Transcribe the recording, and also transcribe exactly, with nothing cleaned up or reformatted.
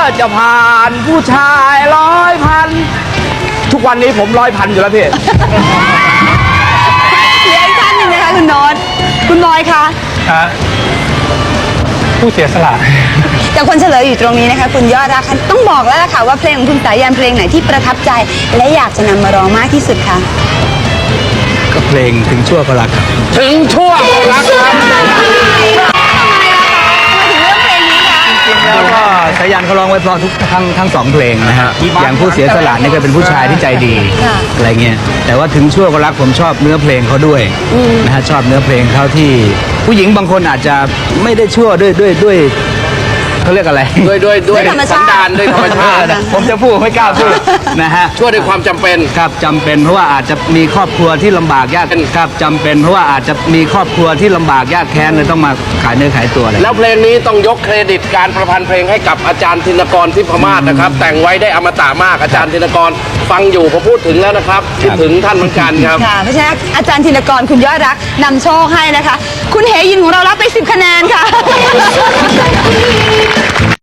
จะผ่านผู้ชายร้อยพันทุกวันนี้ผมร้อยพันอยู่แล้วพี่เหลืออีกท่านหนึ่งนะคะคุณโน้ตคุณบอยคะผู้เสียสละแต่คนเฉลยอยู่ตรงนี้นะคะคุณยอดรักคะต้องบอกแล้วล่ะค่ะว่าเพลงของคุณสายันเพลงไหนที่ประทับใจ และอยากจะนำมาร้องมากที่สุดคะก็เพลงถึงชั่วก็รักครับถึงช่วงรักครับจริงแล้วก็สายันเขาร้องไว้เพราะทุกทั้งทั้งสองเพลงนะฮะอย่างผู้เสียสละนี่ก็เป็นผู้ชายที่ใจดีอะไรเงี้ยแต่ว่าถึงชั่วก็รักผมชอบเนื้อเพลงเขาด้วยนะฮะชอบเนื้อเพลงเขาที่ผู้หญิงบางคนอาจจะไม่ได้ชั่วด้วยด้วยด้วยเขาเรียกอะไรด้วยด้วยด้วยธรรมสัชาน ติดานด้วยธรรมชาติผมจะพูดไม่กล้าพูดนะฮะช่วยด้วยความจำเป็นครับจำเป็นเพราะว่าอาจจะมีครอบครัวที่ลำบากยากครับจำเป็นเพราะว่าอาจจะมีครอบครัวที่ลำบากยากแค้นเลยต้องมาขายเนื้อขายตัวอะไรแล้วเพลงนี้ต้องยกเครดิตการประพันธ์เพลงให้กับอาจารย์ธินกรทิพมาศนะครับ แต่งไว้ได้อมตะมากอาจารย์ธินกรฟังอยู่ผมพูดถึงแล้วนะครับคิดถึงท่านเหมือนกันครับค่ะเพราะฉะนั้นอาจารย์ธินกรคุณยอดรักนำโชคให้นะคะ คุณเหยินของเรารับไปสิบคะแนนค่ะ